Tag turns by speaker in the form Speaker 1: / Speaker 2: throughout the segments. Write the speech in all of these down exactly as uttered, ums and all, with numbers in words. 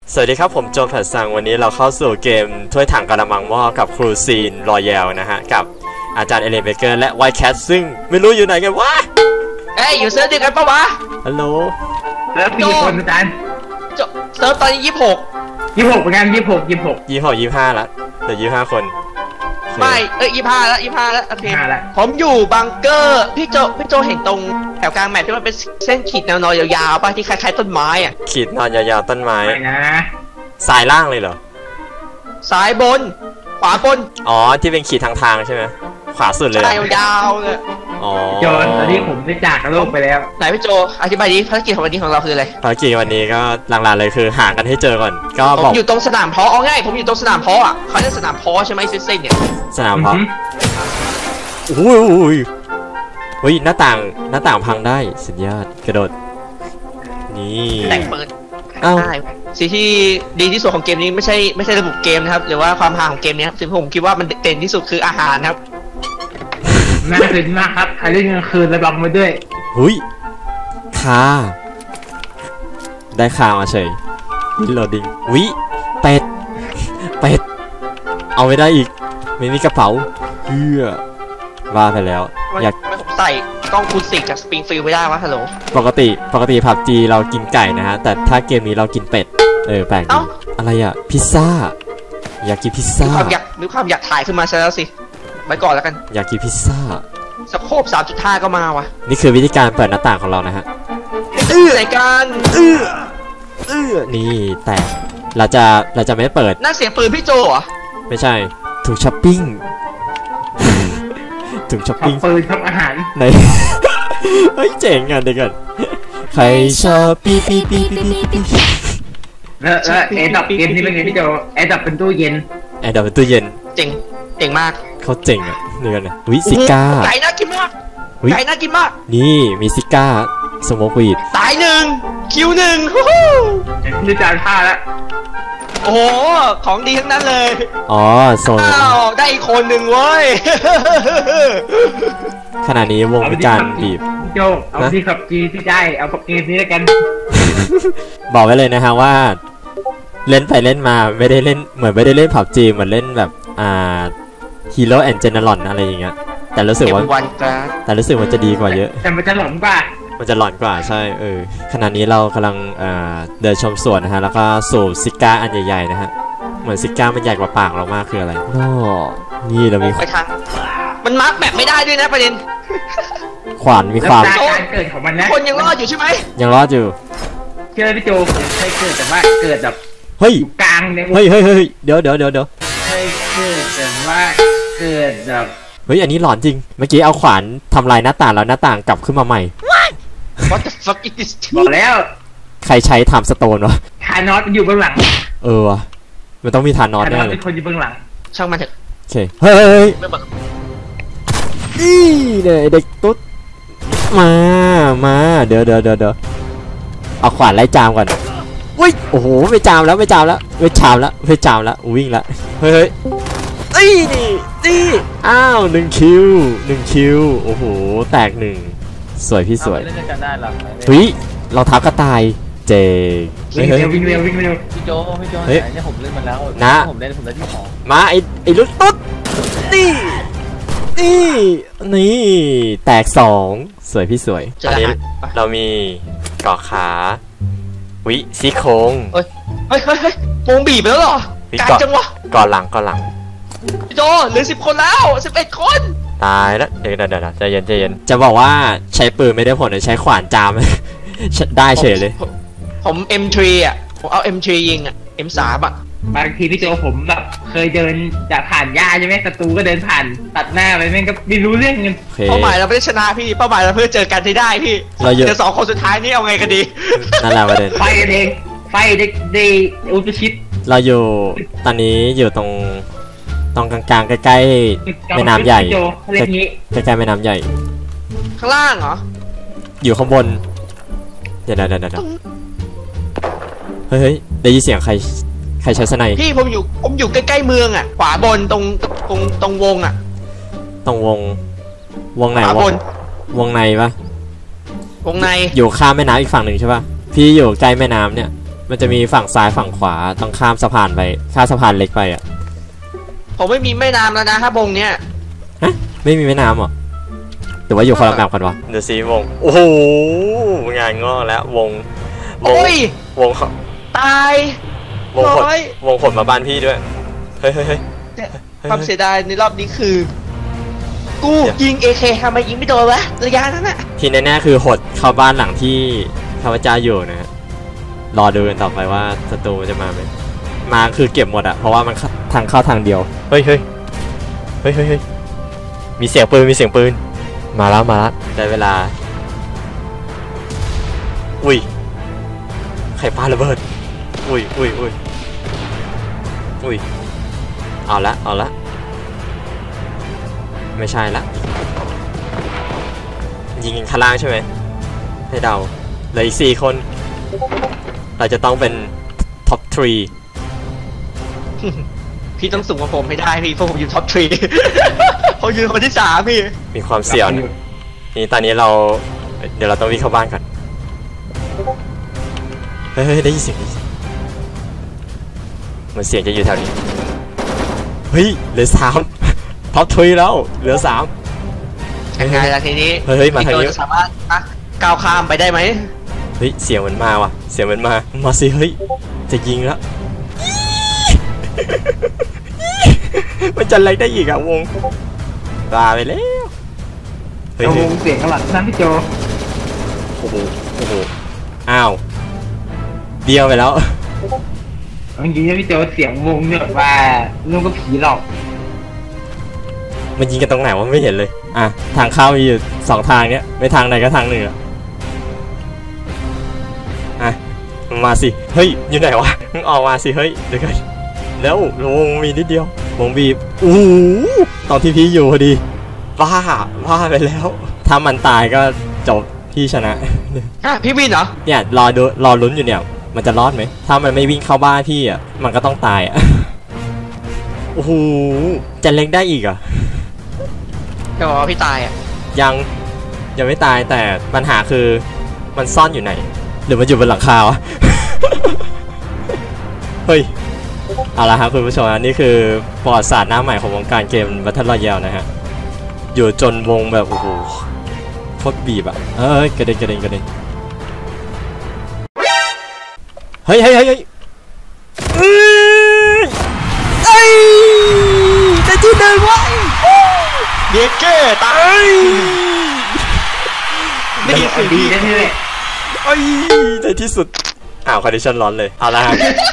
Speaker 1: สวัสดีครับผมโจนแผ่นซังวันนี้เราเข้าสู่เกมถ้วยถังกระมังหม้อกับครูซีนรอยัลนะฮะกับอาจารย์เอเลนเบเกอร์และไวท์แคทซึ่งไม่รู้อยู่ไหนกันวะ
Speaker 2: เอ้ยอยู่เซิร์ฟเดียวกันปะวะ
Speaker 1: ฮัลโหล
Speaker 3: เซิร์ฟกี่คนอาจารย์
Speaker 2: เซิร์ฟตอนนี้ยี่สิบหก
Speaker 3: ยี่สิบหกเหมือนกันยี่สิบหกยี่สิบหก
Speaker 1: ยี่สิบหกยี่สิบห้าละเหลือยี่สิบห้าคน
Speaker 2: ไม่เอ้ยยี่สิบห้าแล้วยี่สิบห้าแล้วโอเคผมอยู่บังเกอร์พี่โจพี่โจเห็นตรงแถวกลางแมปที่มันเป็นเส้นขีดแนวนอนยาวๆป่ะที่คล้ายๆต้นไม้อ่ะ
Speaker 1: ขีดนอนยาวๆต้นไม้
Speaker 3: ไม่นะ
Speaker 1: สายล่างเลยเหรอ
Speaker 2: ซ้ายบนขวาบน
Speaker 1: อ๋อที่เป็นขีดทางทางใช่ไหมขวาสุดเลย
Speaker 2: ยาวๆเลย
Speaker 1: อ๋อ
Speaker 3: โจนตอนนี้ผมได้จากโลกไปแล้ว
Speaker 2: ไหนพี่โจอธิบายดิภารกิจของวันนี้ของเราคืออะไร
Speaker 1: ภารกิจวันนี้ก็หลักๆเลยคือหากันให้เจอก่อนก็
Speaker 2: บอกอยู่ตรงสนามเพาะเอาง่ายผมอยู่ตรงสนามเพาะอ่ะเขาเรียกสนามเพาะใช่ไหมเส้นๆเนี่ย
Speaker 1: สนามเพาะโอ้ยเฮ้ยหน้าต่างหน้าต่างพังได้สุดยอดกระโดดนี่
Speaker 2: แต่งเปิด
Speaker 1: อ้าว
Speaker 2: สิ่งที่ดีที่สุดของเกมนี้ไม่ใช่ไม่ใช่ระบบเกมนะครับหรือว่าความฮาของเกมนี้ครับสิ่งที่ผมคิดว่ามันเด่นที่สุดคืออาหารครับ
Speaker 3: น่าตื่นมากครับใครเล่นกลางคืนระวังมาด้วย
Speaker 1: หุยคาได้คามาเฉยวินโหลดดิ้งวิเป็ดเป็ดเอาไม่ได้อีกไม่มีกระเป๋าเพื่อว่าไปแล้ว
Speaker 2: อยากไม่ผมใส่กล้องคูณสี่จากสปริงฟิลด์ไม่ได้วะฮัลโหล
Speaker 1: ปกติปกติพับจีเรากินไก่นะฮะแต่ถ้าเกมนี้เรากินเป็ดเออแปลกดีอะไรอ่ะพิซซ่าอยากกินพิซซ่า
Speaker 2: มีความอยากมีความอยากถ่ายขึ้นมาซะแล้วสิไว้ก่อนแล้วกัน
Speaker 1: อยากกินพิซซ่า
Speaker 2: สโคป สามจุดห้า ก็มาวะ
Speaker 1: นี่คือวิธีการเปิดหน้าต่างของเรานะฮะ
Speaker 2: อื้อในการอื้อ
Speaker 1: อื้อนี่แต่เราจะเราจะไม่เปิด
Speaker 2: นั่นเสียงปืนพี่โจเหรอ
Speaker 1: ไม่ใช่ถุงช้อปปิ้งถุงช้อปปิ้ง
Speaker 3: ปืนทำอาหาร
Speaker 1: ไหนเฮ้ยเจ๋งอ่ะเด็กกันใครชอบปีปีปีปีปีปี
Speaker 3: แล้วแล้วแอร์ดับเกมนี้เป็นไงพี่โจแอร์ดับเป็นตู้เย็น
Speaker 1: แอร์ดับเป็นตู้เย็น
Speaker 2: เจ๋งเจ๋งมาก
Speaker 1: เขาเจ๋งอ่ะนี่กันนะวิซิก้า
Speaker 2: ไก่น่ากินมากไก่น่ากินมาก
Speaker 1: นี่มีซิก้าสโมกวีด
Speaker 2: ตายหนึ่งคิวหนึ่ง
Speaker 3: นี่จานผ้าแล้ว
Speaker 2: โอ้โหของดีทั้งนั้นเลย
Speaker 1: อ๋อโซน
Speaker 2: อ้าวได้อีกคนหนึ่งเว้ย
Speaker 1: ขณะนี้วงการบีบ
Speaker 3: โจเอาที่ขับจีที่ได้เอาขับเกมนี้แล้วกัน
Speaker 1: บอกไว้เลยนะฮะว่าเล่นไปเล่นมาไม่ได้เล่นเหมือนไม่ได้เล่นผับจีเหมือนเล่นแบบอ่าฮีโร่แอนด์เจเนอรอนอะไรอย่างเงี้ยแต่รู้สึกว่าแต่รู้สึกมันจะดีกว่าเยอะ
Speaker 3: แต่มันจะหลอนกว่า
Speaker 1: มันจะหลอนกว่าใช่เออขณะนี้เรากำลังเดินชมสวนนะฮะแล้วก็สูบซิก้าอันใหญ่ๆนะฮะเหมือนซิก้ามันใหญ่กว่าปากเรามากคืออะไรโน่นี่เรามี
Speaker 2: ไปทางมันมาร์กแบบไม่ได้ด้วยนะประเด็น
Speaker 1: ขวานมีความ
Speaker 3: การเกิดของมันนะ
Speaker 2: คนยังรอดอยู่ใช่ไหม
Speaker 1: ยังรอดอยู่
Speaker 3: เชื่อพี่โจเคยเกิดแต่ว่าเกิดแบบ
Speaker 1: เฮ้ย
Speaker 3: กลางเลย
Speaker 1: เฮ้ยเฮ้ยเฮ้ยเดี๋ยวเดี๋ยวเดี๋ยวเดี๋ยว
Speaker 3: เคยเกิดแต่ว่าเกิดแบบ
Speaker 1: เฮ้ยอันนี้หลอนจริงเมื่อกี้เอาขวานทำลายหน้าต่างแล้วหน้าต่างกลับขึ้นมาใหม่
Speaker 2: What the fuck is this
Speaker 3: บอกแล้ว
Speaker 1: ใครใช้ทำสโตนวะ
Speaker 3: ทานอสอยู่เบื้องหลัง
Speaker 1: เออวะมันต้องมีทานอสแน่เลย
Speaker 3: เป็นคนอยู่เบื้องหลัง
Speaker 2: ช่างมันเถอะ
Speaker 1: โอเคเฮ้ยนี่เลยเด็กตุ๊ดมามาเดี๋ยวเดี๋ยวเดี๋ยวเดี๋ยวเอาขวานไล่จามก่อนอุ้ยโอ้โหไม่จามแล้วไม่จามแล้วไม่จามแล้วไม่จามแล้ววิ่งละเฮ้ยเฮ้ยนี่นี่อ้าวหนึ่งคิวหนึ่งคิวโอ้โหแตกหนึ่งสวยพี่สวยเฮ้ยเราทับกระต่ายเจ๋ง
Speaker 3: วิ่งเร็ววิ่งเร็ววิ่งเร็ว
Speaker 4: พี่โจพี่โจเนี่ยผมเล่นมาแล้ว
Speaker 1: นะ
Speaker 4: ผมเล่นผมเล่นที่หอ
Speaker 1: มาไอไอรุ่นตุ๊ดนี่นี่นี่แตกสองสวยพี่สวยอันนี้เรามีเกาะขาวิซี่โครง
Speaker 2: เฮ้ยเฮ้ยเฮ้ยโมงบีบไปแล้วเหรอการจังวะ
Speaker 1: ก่อนหลังก่อนหลัง
Speaker 2: พี่โจเหลือสิบคนแล้วสิบเอ็ดคน
Speaker 1: ตายแล้วเดี๋ยวเดี๋ยวเดี๋ยวใจเย็นใจเย็นจะบอกว่าใช้ปืนไม่ได้ผลใช้ขวานจามได้เฉยเลย
Speaker 2: ผม เอ็ม ทรี อ่ะผมเอา เอ็ม ทรี ยิงอ่ะ เอ็ม สาม อ่ะ
Speaker 3: บางทีพี่โจผมแบบเคยเดินจะผ่านหญ้าใช่ไหมศัตรูก็เดินผ่านตัดหน้าไปแม่งก็ไม่รู้เรื่องเงิน
Speaker 2: เป้าหมายเราไม่ได้ชนะพี่เป้าหมายเราเพื่อเจอกันที่ได้พี่เจอสองคนสุดท้ายนี่เอาไงกันดี
Speaker 1: นั่นแหละประเด็น
Speaker 3: ไฟกันเองไฟเด็กเดย์อุปชิต
Speaker 1: เราอยู่ตอนนี้อยู่ตรงตรงกลางๆใกล้ๆแม่น้ำใหญ่ใกล้ๆแม่น้ำใหญ่
Speaker 2: ข้างล่างเหรอ
Speaker 1: อยู่ข้างบนเดี๋ยวเดี๋ยวเดี๋ยวเฮ้ยได้ยินเสียงใครใครใช้สไนป์
Speaker 2: พี่ผมอยู่ผมอยู่ใกล้ๆเมืองอ่ะขวาบนตรงตรงตรงวงอ่ะ
Speaker 1: ตรงวงวงไหนวงวงในปะ
Speaker 2: วงใน
Speaker 1: อยู่ข้ามแม่น้ำอีกฝั่งหนึ่งใช่ปะพี่อยู่ใกล้แม่น้ำเนี่ยมันจะมีฝั่งซ้ายฝั่งขวาต้องข้ามสะพานไปข้ามสะพานเล็กไปอ่ะ
Speaker 2: ผมไม่มีแม่น้ำแล้วนะครับวงเนี้ย
Speaker 1: ฮะไม่มีแม่น้ำเหรอหรือว่าอยู่คนละแบบกันวะเดี๋ยวซีวงโอ้โหงานงอกแล้ววงวง
Speaker 2: โอ้ยว
Speaker 1: ง
Speaker 2: ตายว
Speaker 1: งขด
Speaker 2: ร้อยว
Speaker 1: งขดมาบ้านพี่ด้วยเฮ้ยเฮ้ยเฮ้ย
Speaker 2: ความเสียดายในรอบนี้คือ กู
Speaker 1: เดี๋ยว
Speaker 2: ยิง เอ เค ทำไมยิงไม่โดนวะระยะนั้นน่ะ
Speaker 1: ที่แน่ๆคือหดเข้าบ้านหลังที่ข้าพเจ้าอยู่นะฮะรอดูกันต่อไปว่าศัตรูจะมาไหมมาคือเก็บหมดอะเพราะว่ามันทางเข้าทางเดียวเฮ้ยเฮ้ยเฮ้ยเฮ้ยเฮ้ยมีเสียงปืนมีเสียงปืนมาแล้วมาแล้วได้เวลาอุ้ยใครปาระเบิดอุ้ยอุ้ยอุ้ยอุ้ยเอาละเอาละไม่ใช่ละยิงกันข้างล่างใช่ไหมให้เดาเหลืออีกสี่คนเราจะต้องเป็นท็อปทรี
Speaker 2: พี่ต้องสูงกว่าผมให้ได้พี่เพราะผมอยู่ท็อปทรี ผมอยู่คนที่สามพี่
Speaker 1: มีความเสี่ยงนี่ตอนนี้เราเดี๋ยวเราต้องวิ่งเข้าบ้านก่อนเฮ้ยได้ยินเสียงได้ยินเสียงเหมือนเสียงจะอยู่แถวนี้เฮ้ยเหลือสาม ท็อปทรีแล้วเหลือสาม
Speaker 2: ยังไงล่ะทีนี้
Speaker 1: เฮ้ยมาทางนี้
Speaker 2: พี่โจจะสามารถอ่ะก้าวข้ามไปได้ไหม
Speaker 1: เฮ้ยเสียงมันมาว่ะเสียงมันมามาสิเฮ้ยจะยิงแล้ว มันจะอะไรได้อีกอะวงตาไปแล้วเฮ้ย
Speaker 3: เอา
Speaker 1: เฮ้
Speaker 3: วย งเสียงข้างหลังนั่นพี่โจ
Speaker 1: โอ้โหโอ้โหอ้าวเดียวไปแล้ว
Speaker 3: เอาจริงๆนะพี่โจเสียงวงเนี่ยว่าลูกก็ผีหลอก
Speaker 1: มันยิงกันตรงไหนวะไม่เห็นเลยอ่ะทางเข้ามีอยู่สองทางเนี้ยไม่ทางไหนก็ทางหนึ่งอะอ่ะมาสิเฮ้ยอยู่ไหนวะมึงออกมาสิเฮ้ยเดี๋ยวกันแล้ววงมีนิดเดียววงบีบอู้หูตอนที่พี่อยู่พอดีบ้าบ้าไปแล้วถ้ามันตายก็จบพี่ชนะ
Speaker 2: อ่ะพี่วินเหรอ
Speaker 1: เนี่ยรอดูรอลุ้นอยู่เนี่ยมันจะรอดไหมถ้ามันไม่วิ่งเข้าบ้านพี่อ่ะมันก็ต้องตายอ่ะ โอ้โหจะเล็งได้อีกอ่ะ
Speaker 2: จะบอกว่าพี่ตายอ่ะ
Speaker 1: ยังยังไม่ตายแต่ปัญหาคือมันซ่อนอยู่ไหนหรือมันอยู่บนหลังคาวะ เฮ้ยเอาละครับคุณผู้ชมอันนี้คือประวัติศาสตร์หน้าใหม่ของวงการเกม Battle Royale นะฮะอยู่จนวงแบบโอ้โหโคตรบีบอ่ะเอ้ยกระเด็นกระเด็นกระเด็นเฮ้ยเฮ้ยเฮ้ยเฮ้ยเอ้ยเอ้ยได้ที่หนึ่งไว้
Speaker 2: เด็กเก้ตาย
Speaker 3: ไม่ดีสุดดีแน่เลย
Speaker 1: เอ้ยในที่สุดอ้าวคอนดิชันร้อนเลยเอาละฮะ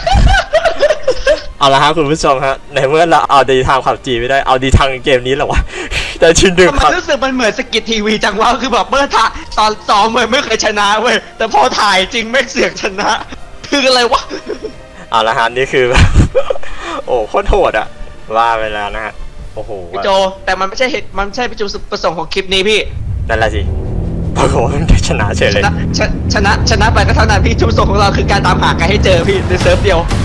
Speaker 1: เอาละฮะคุณผู้ชมฮะในเมื่อเราเอาดีทางขับจีไม่ได้เอาดีทางเกมนี้แหละวะ แต่ชิ้นหนึ่ง
Speaker 2: ทำ
Speaker 1: ค
Speaker 2: ไม
Speaker 1: รับ
Speaker 2: รู้สึกมันเหมือนสกิททีวีจังวะคือแบบเมื่อถ่ายตอนซ้อมเว้ยไม่เคยชนะเว้ยแต่พอถ่ายจริงไม่เสือกชนะ คืออะไรวะ
Speaker 1: เอาละฮะนี่คือแบบ โอ้โคตรโหดอะว่าไปแล้วนะฮะโอ้โห
Speaker 2: พี่โจแต่มันไม่ใช่เหตุมันไม่ใช่จุดประสงค์ของคลิปนี้พี่
Speaker 1: นั่นแหละสิปรากฏว่ามันได้ชนะเฉย
Speaker 2: ช
Speaker 1: เลย
Speaker 2: นะชนะชนะชนะไปก็เท่านั้นพี่จุดประสงค์ของเราคือการตามหากันให้เจอพี่ในเซิร์ฟเดียว